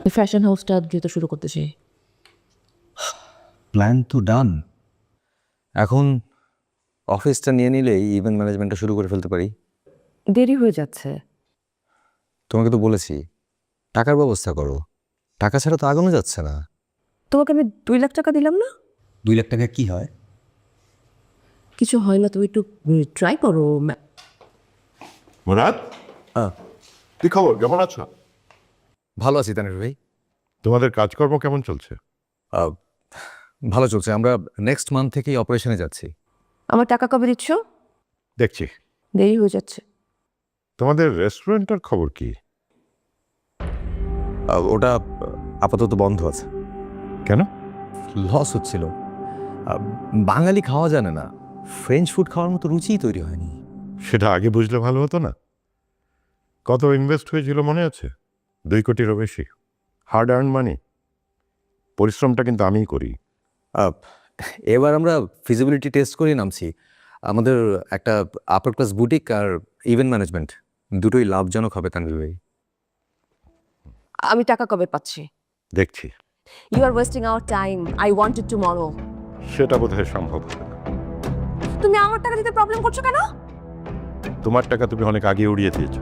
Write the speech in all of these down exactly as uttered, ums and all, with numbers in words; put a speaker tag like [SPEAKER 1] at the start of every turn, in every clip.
[SPEAKER 1] Fashion হাউসটা দ্রুত শুরু করতে চাই।
[SPEAKER 2] প্ল্যান তো ডান, এখন অফিসটা নিয়ে নিলেই ইভেন্ট ম্যানেজমেন্টটা শুরু করে ফেলতে পারি।
[SPEAKER 1] দেরি হয়ে যাচ্ছে।
[SPEAKER 2] তোমাকে তো বলেছি টাকার ব্যবস্থা করো, টাকা ছাড়া তো আগানো যাচ্ছে না।
[SPEAKER 1] তোমাকে আমি দুই লাখ টাকা দিলাম না?
[SPEAKER 2] দুই লাখ টাকা কি হয়?
[SPEAKER 1] কিছু হয় না, তুমি একটু ট্রাই করো।
[SPEAKER 3] মুরাদ, কি খবর, কেমন আছো?
[SPEAKER 2] ভালো আছি তানির ভাই।
[SPEAKER 3] তোমাদের কাজকর্ম কেমন চলছে?
[SPEAKER 2] আহ, ভালো চলছে, আমরা নেক্সট মান্থ থেকেই অপারেশনে যাচ্ছি।
[SPEAKER 1] আমার টাকা কবে দিচ্ছ?
[SPEAKER 3] দেখছি।
[SPEAKER 1] দেরি হয়ে যাচ্ছে।
[SPEAKER 3] তোমাদের রেস্টুরেন্টের খবর কি?
[SPEAKER 2] আহ, ওটা আপাতত বন্ধ আছে।
[SPEAKER 3] কেন?
[SPEAKER 2] লস হচ্ছিল। আহ, বাঙালি খাওয়া জানে না, ফ্রেঞ্চ ফুড খাওয়ার মতো রুচিই তৈরি হয়নি।
[SPEAKER 3] সেটা আগে বুঝলে ভালো হতো না? কত ইনভেস্ট হয়েছিল মনে আছে? দুই কোটিরও বেশি, হার্ড আর্ন মানি। পরিশ্রমটা কিন্তু আমিই করি।
[SPEAKER 2] আহ, এবার আমরা ফিজিবিলিটি টেস্ট করে নামছি। আমাদের একটা আপার ক্লাস বুটিক আর ইভেন্ট ম্যানেজমেন্ট দুটোই লাভজনক হবে তানভীর ভাই।
[SPEAKER 1] আমি টাকা কবে পাচ্ছি?
[SPEAKER 3] দেখছি।
[SPEAKER 1] You are wasting our time, I want it tomorrow.
[SPEAKER 3] সেটা বোধহয় সম্ভব হবে না।
[SPEAKER 1] তুমি আমার টাকা দিতে প্রবলেম করছো কেন?
[SPEAKER 3] তোমার টাকা তুমি অনেক আগে উড়িয়ে দিয়েছ।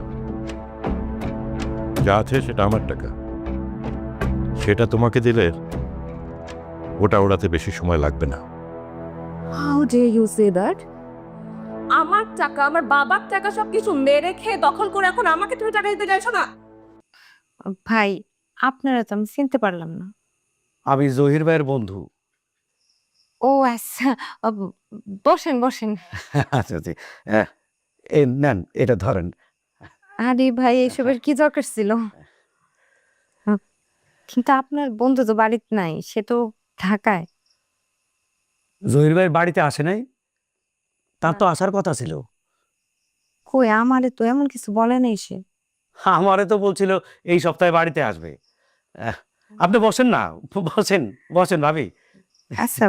[SPEAKER 3] যা আছে সেটা আমার টাকা, সেটা তোমাকে দিলে ওটা ওড়াতে বেশি সময় লাগবে না।
[SPEAKER 1] How dare you say that? আমার টাকা, আমার বাবার টাকা সবকিছু মেরে খেয়ে দখল করে এখন আমাকে তুমি টাকা দিতে চাইছো না?
[SPEAKER 4] ভাই, আপনারা তো আমি চিনতে পারলাম না।
[SPEAKER 5] আমি জহির ভাইয়ের বন্ধু।
[SPEAKER 4] ও আচ্ছা, আ, বসেন বসেন।
[SPEAKER 5] আচ্ছা জি, হ্যাঁ, এই নেন, এটা ধরেন।
[SPEAKER 4] আরে ভাই, এসবের কি দরকার ছিল? আ, কিন্তু আপনার বন্ধু তো বাড়িতে নাই, সে তো ঢাকায়।
[SPEAKER 5] জহির ভাইয়ের বাড়িতে আসে নাই? তার তো আসার কথা ছিল।
[SPEAKER 4] কই, আমারে তো এমন কিছু বলে নাই সে।
[SPEAKER 5] আমারে তো বলছিল এই সপ্তাহে বাড়িতে আসবে। আহ, আপনি বসেন না, বসেন বসেন ভাবি।
[SPEAKER 4] আচ্ছা,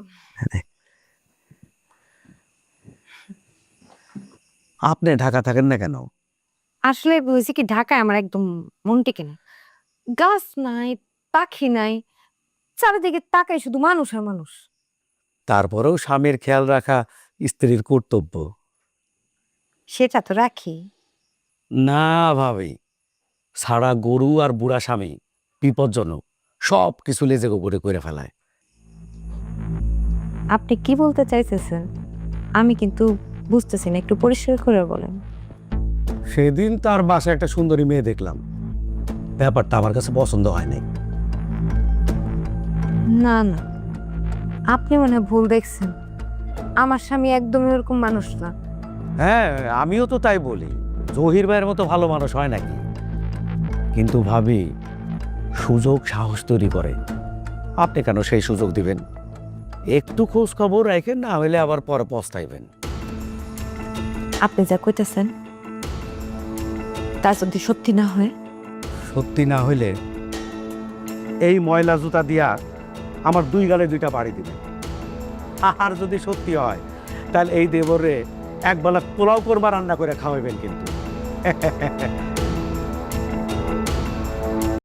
[SPEAKER 5] আপনি ঢাকা থাকেন না কেন?
[SPEAKER 4] আসলে হয়েছে কি, ঢাকায় আমার একদম মন টেকে না। গাছ নাই, পাখি নাই, চারিদিকে তাকাই শুধু মানুষ আর মানুষ।
[SPEAKER 5] তারপরেও স্বামীর খেয়াল রাখা স্ত্রীর কর্তব্য।
[SPEAKER 4] সেটা তো রাখি।
[SPEAKER 5] না ভাবি, সারা গরু আর বুড়া স্বামী বিপজ্জনক, সব কিছু লেজে গোবরে করে ফেলায়।
[SPEAKER 4] আপনি কি বলতে চাইতেছেন আমি কিন্তু বুঝতেছি না, একটু পরিষ্কার করে বলেন।
[SPEAKER 5] সেদিন তার বাসায় একটা সুন্দরী মেয়ে দেখলাম, ব্যাপারটা আমার কাছে পছন্দ হয় নাই।
[SPEAKER 4] না না, আপনি মনে হয় ভুল দেখছেন। আমার স্বামী একদমই এরকম মানুষ না।
[SPEAKER 5] হ্যাঁ, আমিও তো তাই বলি, জহির ভাইয়ের মতো ভালো মানুষ হয় নাকি। কিন্তু ভাবি, সুযোগ সাহস তৈরি করে। আপনি কেন সেই সুযোগ দিবেন? একটু খোঁজ খবর রাখেন, না হলে আবার পরে পস্তাইবেন।
[SPEAKER 4] আপনি যা কইতেছেন তা যদি সত্যি না হয়?
[SPEAKER 5] সত্যি না হইলে এই ময়লা জুতা দিয়া আমার দুই গালে দুইটা বাড়ি দিবেন। আর যদি সত্যি হয়, তাহলে এই দেবরে একবেলা পোলাও কোরমা রান্না করে খাওয়াবেন কিন্তু।